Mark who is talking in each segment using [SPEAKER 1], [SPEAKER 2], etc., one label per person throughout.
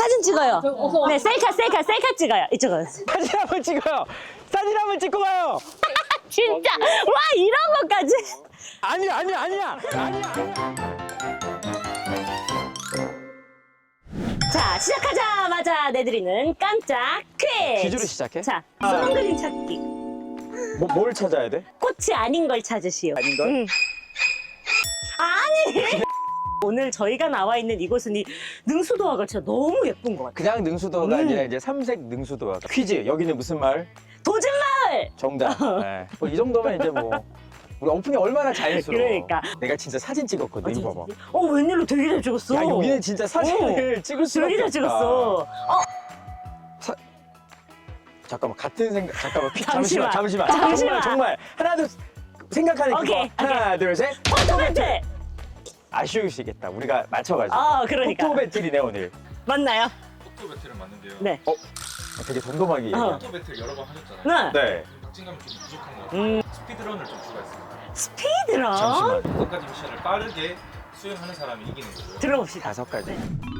[SPEAKER 1] 사진 찍어요. 네, 셀카 찍어요. 이쪽으로.
[SPEAKER 2] 사진 한번 찍어요. 사진 한번 찍고 가요.
[SPEAKER 1] 진짜 와 이런 것까지.
[SPEAKER 2] 아니야.
[SPEAKER 1] 자 시작하자마자 내드리는 깜짝 퀴즈.
[SPEAKER 2] 퀴즈로 시작해?
[SPEAKER 1] 자 소문 그림 찾기.
[SPEAKER 2] 뭘 찾아야 돼?
[SPEAKER 1] 꽃이 아닌 걸 찾으시오.
[SPEAKER 2] 아닌 걸?
[SPEAKER 1] 아니. 오늘 저희가 나와 있는 이곳은 이 능수도화가 진짜 너무 예쁜 것 같아요.
[SPEAKER 2] 그냥 능수도가 아니라 이제 삼색 능수도가. 퀴즈. 여기는 무슨 마을?
[SPEAKER 1] 도진마을.
[SPEAKER 2] 정답. 네. 이 정도면 이제 뭐 우리 오픈이 얼마나 자연스러워.
[SPEAKER 1] 그러니까.
[SPEAKER 2] 내가 진짜 사진 찍었거든. 이거 봐봐.
[SPEAKER 1] 웬일로 되게 잘 찍었어.
[SPEAKER 2] 야, 여기는 진짜 사진을 찍을 수밖에
[SPEAKER 1] 되게
[SPEAKER 2] 없다.
[SPEAKER 1] 잘 찍었어.
[SPEAKER 2] 잠깐만 같은 생각. 잠깐만.
[SPEAKER 1] 잠시만.
[SPEAKER 2] 정말 하나 둘 생각하는
[SPEAKER 1] 오케이,
[SPEAKER 2] 그거. 하나 둘 셋.
[SPEAKER 1] 포토 배틀.
[SPEAKER 2] 아쉬우시겠다. 우리가 맞춰가지고.
[SPEAKER 1] 그러니까.
[SPEAKER 2] 포토 배틀이네 오늘.
[SPEAKER 1] 맞나요?
[SPEAKER 3] 포토 배틀은 맞는데요.
[SPEAKER 1] 네.
[SPEAKER 2] 되게 덤덤하게 얘기해.
[SPEAKER 3] 포토 배틀 여러 번 하셨잖아요.
[SPEAKER 1] 네.
[SPEAKER 2] 네.
[SPEAKER 3] 박진감이 좀 부족한 것 같아요. 스피드런을 좀 추가했습니다.
[SPEAKER 1] 스피드런.
[SPEAKER 2] 잠시만.
[SPEAKER 3] 5가지 미션을 빠르게 수행하는 사람이 이기는 거고요.
[SPEAKER 1] 들어봅시다.
[SPEAKER 2] 5가지.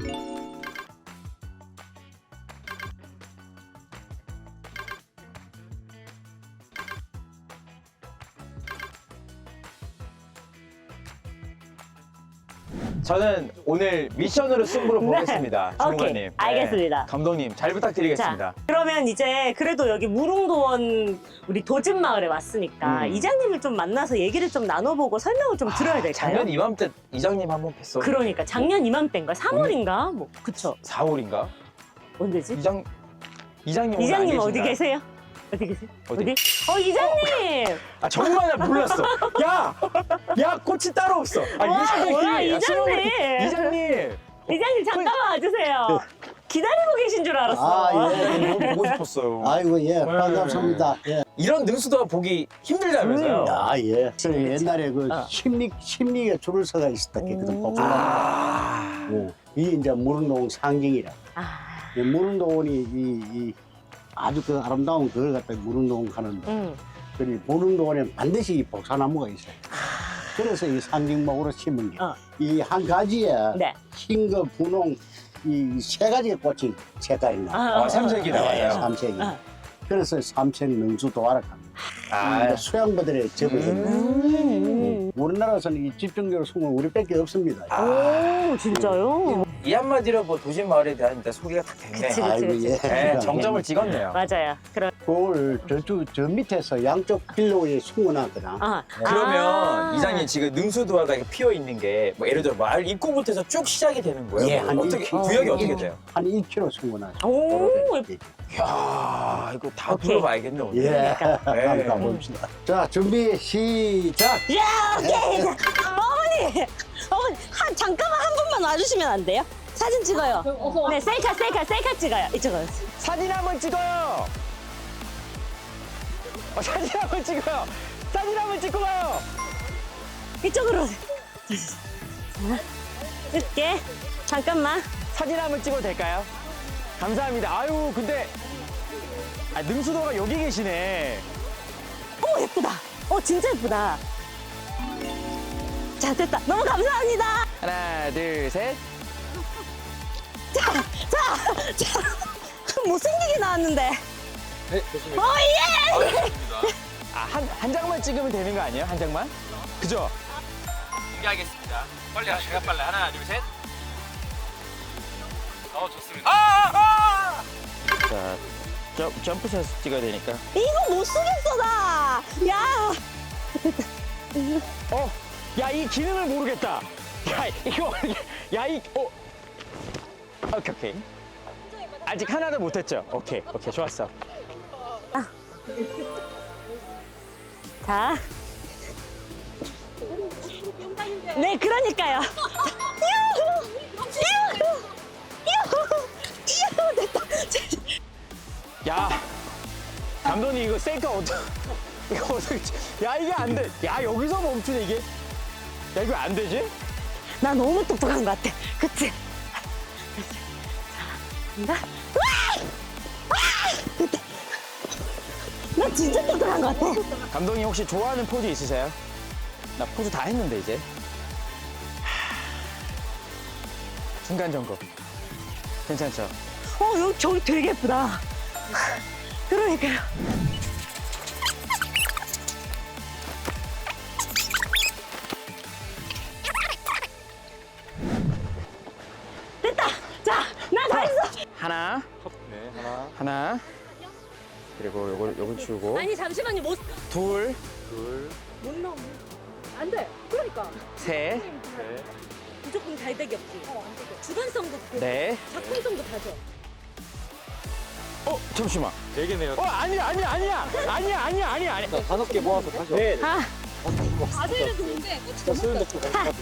[SPEAKER 2] 저는 오늘 미션으로 승부를 보겠습니다.
[SPEAKER 1] 오케이,
[SPEAKER 2] 주무관님.
[SPEAKER 1] 알겠습니다.
[SPEAKER 2] 감독님 잘 부탁드리겠습니다.
[SPEAKER 1] 자, 그러면 이제 그래도 여기 무릉도원 우리 도진마을에 왔으니까 이장님을 좀 만나서 얘기를 좀 나눠보고 설명을 좀 들어야 될까요?
[SPEAKER 2] 작년 이맘때 이장님 한번 뵀어.
[SPEAKER 1] 그러니까 작년 이맘때인가? 3월인가? 뭐 그쵸?
[SPEAKER 2] 4월인가?
[SPEAKER 1] 언제지?
[SPEAKER 2] 이장님 오늘 안
[SPEAKER 1] 이장님 어디
[SPEAKER 2] 계신가요?
[SPEAKER 1] 계세요? 어디 계세요?
[SPEAKER 2] 어디?
[SPEAKER 1] 이장님!
[SPEAKER 2] 아 정말 나 몰랐어. 야 꽃이 따로 없어.
[SPEAKER 1] 와, 뭐야, 이장님.
[SPEAKER 2] 이장님.
[SPEAKER 1] 이장님 잠깐만 와주세요. 기다리고 계신 줄 알았어.
[SPEAKER 2] 너무 보고 싶었어요.
[SPEAKER 4] 아이고, 예, 반갑습니다. 예.
[SPEAKER 2] 이런 능수도가 보기 힘들다면서요?
[SPEAKER 4] 아, 예. 저 옛날에 그
[SPEAKER 1] 어.
[SPEAKER 4] 심리에 줄을 서가 있었다. 그거든,
[SPEAKER 2] 아.
[SPEAKER 4] 이 이제 무릉도원 상징이라.
[SPEAKER 1] 아,
[SPEAKER 4] 이 무릉도원이 이 아주 그 아름다운 그걸 갖다 무릉도원 가는데, 그리 무릉도원에 반드시 이 복사나무가 있어요. 그래서 이 상징목으로 심은 게,
[SPEAKER 1] 어.
[SPEAKER 4] 이 한 가지에
[SPEAKER 1] 네.
[SPEAKER 4] 흰 거, 분홍, 이 세 가지의 꽃이 색깔이 나.
[SPEAKER 2] 삼색이 나와요.
[SPEAKER 4] 삼색이.
[SPEAKER 1] 어.
[SPEAKER 4] 그래서 삼색 능수도화라 합니다.
[SPEAKER 2] 아,
[SPEAKER 4] 수양부들의 접어진 우리나라에서는 이 집중적으로 숨은 우리밖에 없습니다.
[SPEAKER 1] 오, 진짜요?
[SPEAKER 2] 이 한마디로 뭐 도심 마을에 대한 일단 소개가 다 됐네.
[SPEAKER 1] 그치.
[SPEAKER 4] 아이고, 예.
[SPEAKER 2] 네, 정점을 찍었네요.
[SPEAKER 1] 맞아요.
[SPEAKER 4] 그걸 저 밑에서 양쪽 필로에 숨어놨거나.
[SPEAKER 2] 그러면 이장님 지금 능수도화가 이렇게 피어 있는 게 뭐 예를 들어 마을 입구부터 해서 쭉 시작이 되는 거예요?
[SPEAKER 4] 예,
[SPEAKER 2] 뭐 어떻게 구역이 어떻게 돼요?
[SPEAKER 4] 한 1km 숨어놨어요.
[SPEAKER 1] 오,
[SPEAKER 2] 이야 이거 다
[SPEAKER 1] 오케이.
[SPEAKER 2] 둘러봐야겠네 오늘.
[SPEAKER 4] 예,
[SPEAKER 1] 그러니까.
[SPEAKER 4] 한번 가봅시다. 자, 준비, 시작!
[SPEAKER 1] 야, 오케이. 어머니, 잠깐만 한 분만 와주시면 안 돼요? 사진 찍어요. 네, 셀카 찍어요. 이쪽으로.
[SPEAKER 2] 사진 한번 찍어요. 사진 한번 찍어요. 사진 한번 찍고 가요.
[SPEAKER 1] 이쪽으로. 늦게. 잠깐만.
[SPEAKER 2] 사진 한번 찍어도 될까요? 감사합니다. 아유 근데 능수도가 여기 계시네.
[SPEAKER 1] 오, 예쁘다. 진짜 예쁘다. 자, 됐다. 너무 감사합니다.
[SPEAKER 2] 하나 둘 셋.
[SPEAKER 1] 자. 못생기게 나왔는데.
[SPEAKER 3] 네, 좋습니다.
[SPEAKER 1] 예!
[SPEAKER 3] 좋습니다.
[SPEAKER 2] 한 장만 찍으면 되는 거 아니에요? 한 장만? 그죠?
[SPEAKER 3] 공개하겠습니다. 빨리 하세요. 빨리. 하나, 둘, 셋. 좋습니다.
[SPEAKER 2] 자, 점프샷 찍어야 되니까.
[SPEAKER 1] 이거 못 쓰겠어, 나. 야.
[SPEAKER 2] 야, 이 기능을 모르겠다. 야, 이거, 오케이. 아직 하나도 못했죠? 오케이, 좋았어.
[SPEAKER 1] 자. 네, 그러니까요. 이후, 됐다.
[SPEAKER 2] 야, 감독님 이거 셀카 이거 어떻게, 야, 이게 안 돼. 야, 여기서 멈추네, 이게. 야, 이거 안 되지?
[SPEAKER 1] 나 너무 똑똑한 것 같아. 그치? 자, 간다. 됐다. 나 진짜 똑똑한 것 같아.
[SPEAKER 2] 감독님 혹시 좋아하는 포즈 있으세요? 나 포즈 다 했는데, 이제. 중간 점검. 괜찮죠?
[SPEAKER 1] 여기 저기 되게 예쁘다. 그러니까요. 됐다. 자, 나 다 했어.
[SPEAKER 2] 하나,
[SPEAKER 3] 네, 하나,
[SPEAKER 2] 하나. 그리고 요걸 치우고.
[SPEAKER 1] 아니 잠시만요.
[SPEAKER 2] 둘,
[SPEAKER 1] 못 넣어. 안 돼. 그러니까
[SPEAKER 2] 셋,
[SPEAKER 3] 넷,
[SPEAKER 1] 무조건 잘되기 없지. 주관성도 보고
[SPEAKER 2] 넷.
[SPEAKER 1] 작품성도 다져.
[SPEAKER 2] 잠시만.
[SPEAKER 3] 4개네요.
[SPEAKER 2] 아니야.
[SPEAKER 3] 자, 5개 모아서 다시.
[SPEAKER 2] 네.
[SPEAKER 1] 아들은 좋은데
[SPEAKER 3] 자, 쓰는 덕분.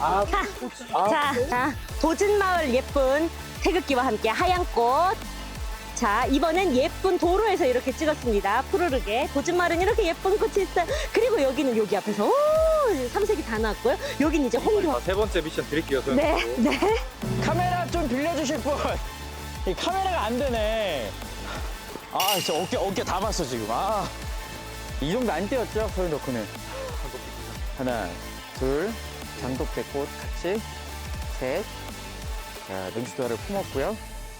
[SPEAKER 1] 자, 도진마을 예쁜 태극기와 함께 하얀 꽃. 자, 이번엔 예쁜 도로에서 이렇게 찍었습니다. 푸르르게. 도진마을은 이렇게 예쁜 꽃이 있어요. 그리고 여기는 여기 앞에서 삼색이 다 나왔고요. 여기는 이제 홍교.
[SPEAKER 3] 세 번째 미션 드릴게요.
[SPEAKER 1] 네, 네.
[SPEAKER 2] 카메라 좀 빌려주실 분. 이 카메라가 안 되네. 진짜 어깨 다 봤어 지금. 이 정도 안 띄었죠 소연 덕후는. 하나, 둘, 장독대꽃 같이, 셋. 자, 능수도화를 품었고요.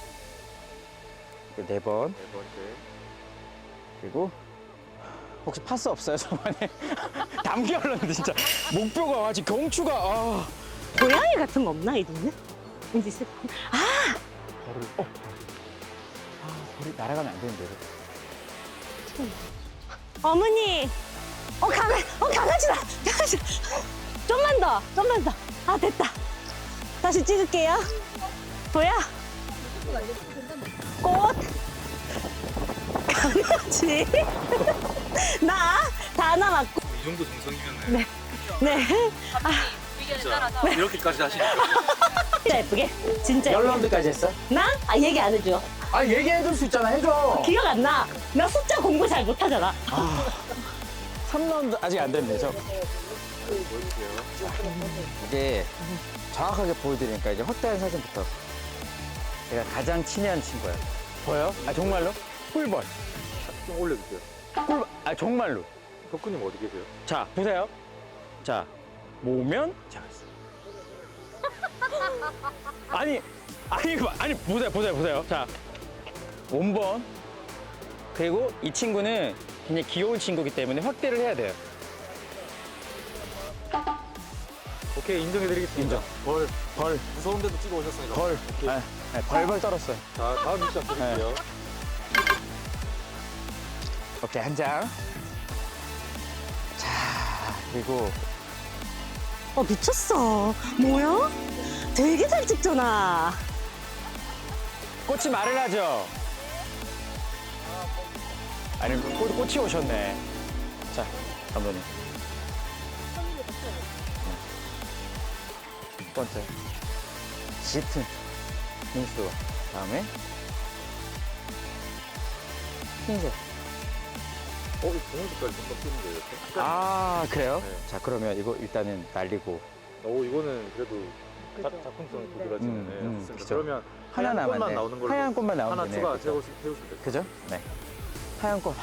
[SPEAKER 2] 네 번.
[SPEAKER 3] 네 번째.
[SPEAKER 2] 그리고 혹시 파스 없어요 저번에? 담기 흘렀는데 진짜 목표가 지금 경추가.
[SPEAKER 1] 고양이 같은 거 없나, 이 동네? 왠지 있을 것 같아.
[SPEAKER 2] 우리 날아가면 안 되는데.
[SPEAKER 1] 어머니. 강아지다. 강아지다. 좀만 더. 됐다. 다시 찍을게요. 뭐야? 꽃. 강아지. 다 남았고.
[SPEAKER 3] 이 정도 정성이면은
[SPEAKER 1] 네.
[SPEAKER 3] 진짜 이렇게까지 하시니까.
[SPEAKER 1] 진짜 예쁘게. 진짜 예쁘게.
[SPEAKER 2] 라운드까지 했어?
[SPEAKER 1] 나? 얘기 안 해줘.
[SPEAKER 2] 얘기해줄 수 있잖아. 해줘.
[SPEAKER 1] 기억 안 나. 나 숫자 공부 잘 못하잖아.
[SPEAKER 2] 3라운드 아직 안 됐네 저. 이게 정확하게 보여드리니까 이제 확대한 사진부터. 제가 가장 친한 친구예요. 보여요? 정말로? 꿀벌.
[SPEAKER 3] 좀 올려주세요.
[SPEAKER 2] 꿀벌. 정말로.
[SPEAKER 3] 덕후님 어디 계세요?
[SPEAKER 2] 자, 보세요. 자, 모면. 자. 아니, 보세요. 자, 원번. 그리고 이 친구는 굉장히 귀여운 친구이기 때문에 확대를 해야 돼요.
[SPEAKER 3] 오케이, 인정해드리겠습니다.
[SPEAKER 2] 벌.
[SPEAKER 3] 무서운데도 찍어 오셨으니까.
[SPEAKER 2] 벌.
[SPEAKER 3] 오케이.
[SPEAKER 2] 벌벌 떨었어요.
[SPEAKER 3] 자, 다음 미션 드릴게요.
[SPEAKER 2] 오케이, 한 장. 자, 그리고
[SPEAKER 1] 미쳤어. 뭐야? 되게 잘 찍잖아.
[SPEAKER 2] 꽃이 말을 하죠. 아니, 꽃이 오셨네. 자, 감독님. 첫 번째. 짙은 민수. 다음에 흰색.
[SPEAKER 3] 이 분홍 색깔 좀 섞이는데 이렇게?
[SPEAKER 2] 그래요?
[SPEAKER 3] 네.
[SPEAKER 2] 자, 그러면 이거 일단은 날리고.
[SPEAKER 3] 이거는 그래도 작품성 도드라지는 좋습니다.
[SPEAKER 2] 그죠.
[SPEAKER 3] 그러면
[SPEAKER 2] 하나
[SPEAKER 3] 하얀 꽃만
[SPEAKER 2] 남았네.
[SPEAKER 3] 나오는 걸로
[SPEAKER 2] 하얀 꽃만 나오면
[SPEAKER 3] 하나
[SPEAKER 2] 되네.
[SPEAKER 3] 추가
[SPEAKER 2] 그죠?
[SPEAKER 3] 세우시면 돼요.
[SPEAKER 2] 그죠? 네. 하얀 꽃.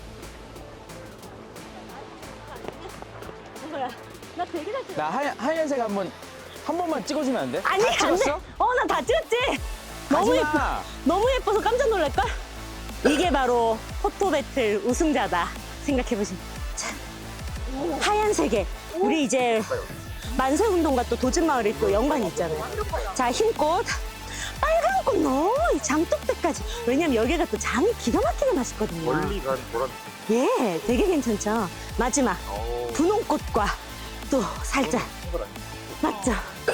[SPEAKER 1] 뭐야? 나 되게 잘 찍어.
[SPEAKER 2] 나 하얀색 한 번만 찍어주면 안 돼?
[SPEAKER 1] 아니,
[SPEAKER 2] 다
[SPEAKER 1] 안 돼.
[SPEAKER 2] 찍었어?
[SPEAKER 1] 나 다 찍었지. 너무 예뻐.
[SPEAKER 2] 하지마.
[SPEAKER 1] 너무 예뻐서 깜짝 놀랄걸? 이게 바로 포토 배틀 우승자다 생각해보시면. 자, 하얀색에 우리 이제 만세운동과 또 도진마을이 또 연관이 있잖아요. 자, 흰꽃, 빨간 꽃 너무 이 장독대까지. 왜냐면 여기가 또 장이 기가 막히게 맛있거든요.
[SPEAKER 3] 멀리 간 보람.
[SPEAKER 1] 예, 되게 괜찮죠. 마지막 분홍꽃과 또 살짝 맞죠?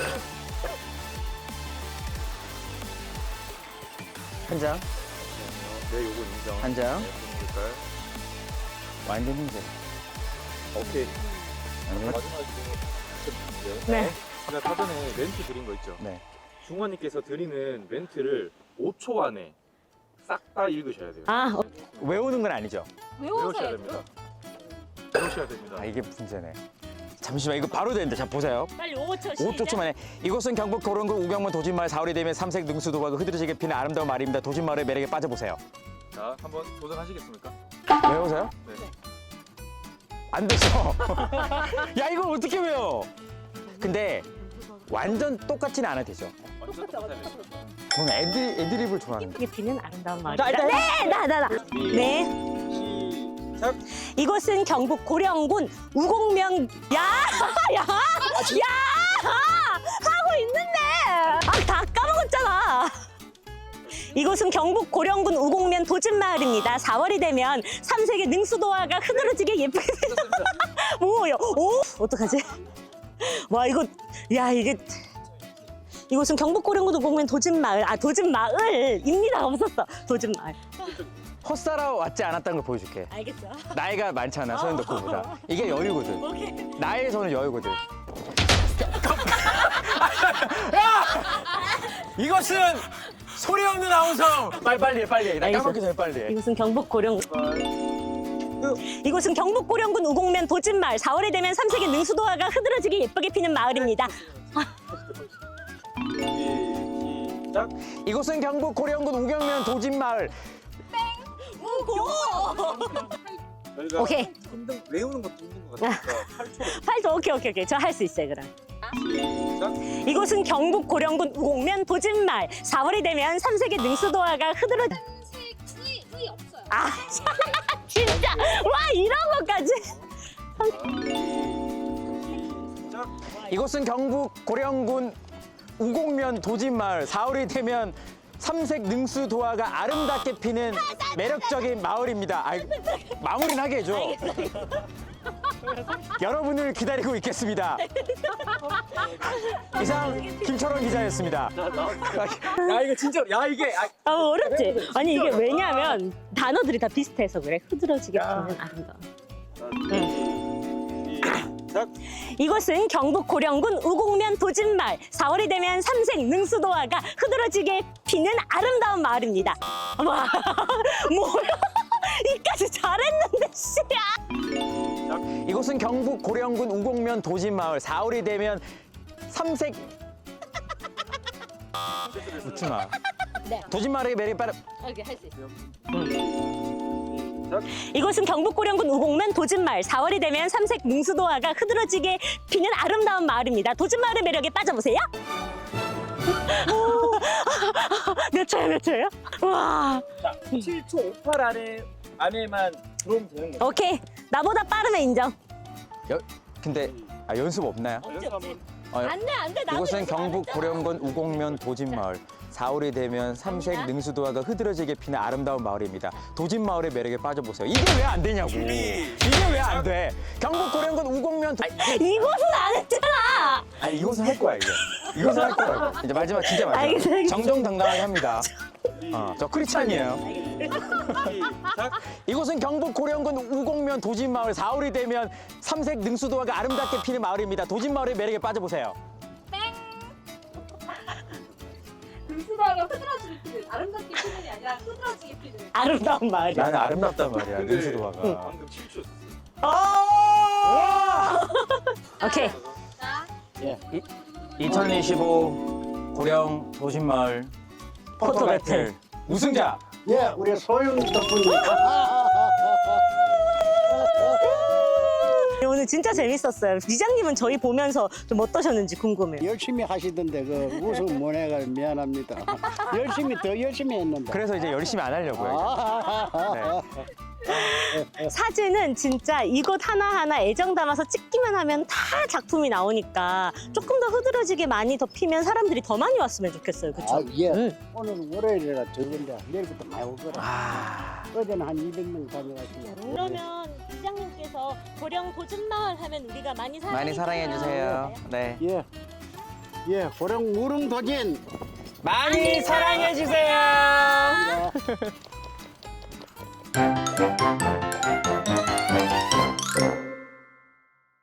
[SPEAKER 2] 한 장,
[SPEAKER 3] 네, 요거 인정.
[SPEAKER 2] 한 장.
[SPEAKER 3] 네, 분홍 색깔.
[SPEAKER 2] 완전 흰색.
[SPEAKER 3] 오케이.
[SPEAKER 2] 완전-
[SPEAKER 3] 마지막에 드릴게요.
[SPEAKER 1] 네.
[SPEAKER 3] 제가 사전에 멘트 드린 거 있죠.
[SPEAKER 2] 네.
[SPEAKER 3] 중원님께서 드리는 멘트를 5초 안에 싹 다 읽으셔야 돼요.
[SPEAKER 2] 외우는 건 아니죠?
[SPEAKER 3] 외우셔야 됩니다. 외우셔야 됩니다.
[SPEAKER 2] 이게 문제네. 잠시만, 이거 바로 되는데. 자, 보세요.
[SPEAKER 1] 빨리 5초
[SPEAKER 2] 5초 만에. 이곳은 경북 도롱군 우경문 도진마을 4월이 되면 삼색 능수도가 흐드러지게 피는 아름다운 마을입니다. 도진마을의 매력에 빠져보세요.
[SPEAKER 3] 자, 한번 도전하시겠습니까?
[SPEAKER 2] 외우세요?
[SPEAKER 3] 네.
[SPEAKER 2] 안 됐어. 야, 이걸 어떻게 외워? 근데 완전 똑같지는 않아도 되죠.
[SPEAKER 3] 완전 똑같아요.
[SPEAKER 2] 저는 애드립을 좋아하는데.
[SPEAKER 1] 이게 피는 아름다운 마을.
[SPEAKER 2] 자, 일단
[SPEAKER 1] 네, 나. 네.
[SPEAKER 3] 시작.
[SPEAKER 1] 이곳은 경북 고령군 우곡면. 야, 하고 있는데. 다 까먹었잖아. 이곳은 경북 고령군 우곡면 도진마을입니다. 4월이 되면 3색의 능수도화가 흐드러지게 예쁘게 뭐요? 오, 어떡하지? 와, 이곳은 경북 고령군 우곡면 도진마을. 도진마을입니다. 없었어. 도진마을.
[SPEAKER 2] 헛살아 왔지 않았다는 걸 보여줄게.
[SPEAKER 1] 알겠죠?
[SPEAKER 2] 나이가 많잖아, 서현덕보다. 이게 여유거든.
[SPEAKER 1] 오케이.
[SPEAKER 2] 나이에서는 여유거든. 이것은 소리 없는 아우성. 빨리 해. 나
[SPEAKER 1] 알겠어.
[SPEAKER 2] 까먹기 전에 빨리 해.
[SPEAKER 1] 이곳은 경북 고령군 우곡면 도진마을. 4월이 되면 3색의 능수도화가 흐드러지게 예쁘게 피는 마을입니다.
[SPEAKER 3] 시작.
[SPEAKER 2] 이곳은 경북 고령군 우경면 도진마을.
[SPEAKER 3] 저희가
[SPEAKER 1] 오케이.
[SPEAKER 3] 외우는 것도 힘든 것 같으니까 8초.
[SPEAKER 1] 8초. 오케이. 저 할 수 있어요, 그럼.
[SPEAKER 3] 시작.
[SPEAKER 1] 이곳은 경북 고령군 우곡면 도진마을. 4월이 되면 3색의 능수도화가 흐드러지.
[SPEAKER 5] 색이 없어요.
[SPEAKER 1] 진짜. 와, 이런 것까지.
[SPEAKER 3] 시작.
[SPEAKER 2] 이곳은 경북 고령군 우곡면 도진마을. 4월이 되면 삼색 능수도화가 아름답게 피는 매력적인 마을입니다. 마무리는 하게 해줘. 여러분을 기다리고 있겠습니다. 이상 김철원 기자였습니다.
[SPEAKER 3] 야 이거 진짜 이게
[SPEAKER 1] 어렵지? 아니, 이게 왜냐면 단어들이 다 비슷해서 그래. 흐드러지게 피는 아름다움.
[SPEAKER 3] 시작.
[SPEAKER 1] 이곳은 경북 고령군 우곡면 도진마을. 4월이 되면 삼색 능수도화가 흐드러지게 피는 아름다운 마을입니다. 와, 뭐야? 이까지 잘했는데, 씨야.
[SPEAKER 2] 이곳은 경북 고령군 우곡면 도진마을. 4월이 되면 삼색 웃지 마.
[SPEAKER 1] 네.
[SPEAKER 2] 도진마을의 매력이 빠르.
[SPEAKER 1] 오케이, 할 수 있어.
[SPEAKER 3] 시작.
[SPEAKER 1] 이곳은 경북 고령군 우곡면 도진마을. 4월이 되면 삼색 능수도화가 흐드러지게 피는 아름다운 마을입니다. 도진마을의 매력에 빠져보세요. 몇 초예요? 와.
[SPEAKER 3] 7초 58 안에만 들어오면 되는 거예요.
[SPEAKER 1] 오케이. 나보다 빠르면 인정.
[SPEAKER 2] 근데 연습 없나요?
[SPEAKER 3] 연습하면
[SPEAKER 1] 안 돼. 나도
[SPEAKER 2] 이곳은
[SPEAKER 1] 연습 안
[SPEAKER 2] 경북
[SPEAKER 1] 했잖아.
[SPEAKER 2] 고령군 우곡면 도진마을. 4월이 되면 삼색 능수도화가 흐드러지게 피는 아름다운 마을입니다. 도진마을의 매력에 빠져보세요. 이게 왜 안 되냐고. 이게 왜 안 돼? 경북 고령군 우곡면
[SPEAKER 1] 이곳은 안 했잖아.
[SPEAKER 2] 아니 이것은 할 거야 이제. 이것은 할 거야. 이제 마지막 진짜 마지막.
[SPEAKER 1] 알겠어요.
[SPEAKER 2] 정정당당하게 합니다. 저 크리스찬이에요.
[SPEAKER 3] 시작.
[SPEAKER 2] 이곳은 경북 고령군 우곡면 도진마을. 4월이 되면 삼색 능수도화가 아름답게 피는 마을입니다. 도진마을의 매력에 빠져보세요.
[SPEAKER 5] 능수도화가 흐드러지게 피는 아름답게 피는이 아니라 흐드러지게 피는.
[SPEAKER 1] 아름다운 마을이야.
[SPEAKER 2] 나는 아름답단 말이야. 능수도화가.
[SPEAKER 3] 방금 7초.
[SPEAKER 1] 오케이.
[SPEAKER 5] 자,
[SPEAKER 2] 2025 고령 도진마을
[SPEAKER 1] 포토 배틀
[SPEAKER 2] 우승자.
[SPEAKER 4] 예, 우리 소영 덕분입니다.
[SPEAKER 1] 오늘 진짜 재밌었어요. 이장님은 저희 보면서 좀 어떠셨는지 궁금해요.
[SPEAKER 4] 열심히 하시던데 그 우승 못 해가 미안합니다. 더 열심히 했는데.
[SPEAKER 2] 그래서 이제 열심히 안 하려고요. 네.
[SPEAKER 1] 사진은 진짜 이곳 하나하나 애정 담아서 찍기만 하면 다 작품이 나오니까 조금 더 흐드러지게 많이 더 피면 사람들이 더 많이 왔으면 좋겠어요. 그쵸?
[SPEAKER 4] 예. 오늘 월요일이라 적은데 내일부터 많이 올 거라. 어제는 한 200명 다녀가시고.
[SPEAKER 1] 그러면 이장님께서 고령 도진마을 하면 우리가 많이
[SPEAKER 2] 많이 사랑해 주세요. 네.
[SPEAKER 4] 예. 예, 고령 무릉 도진.
[SPEAKER 2] 많이 사랑해 주세요.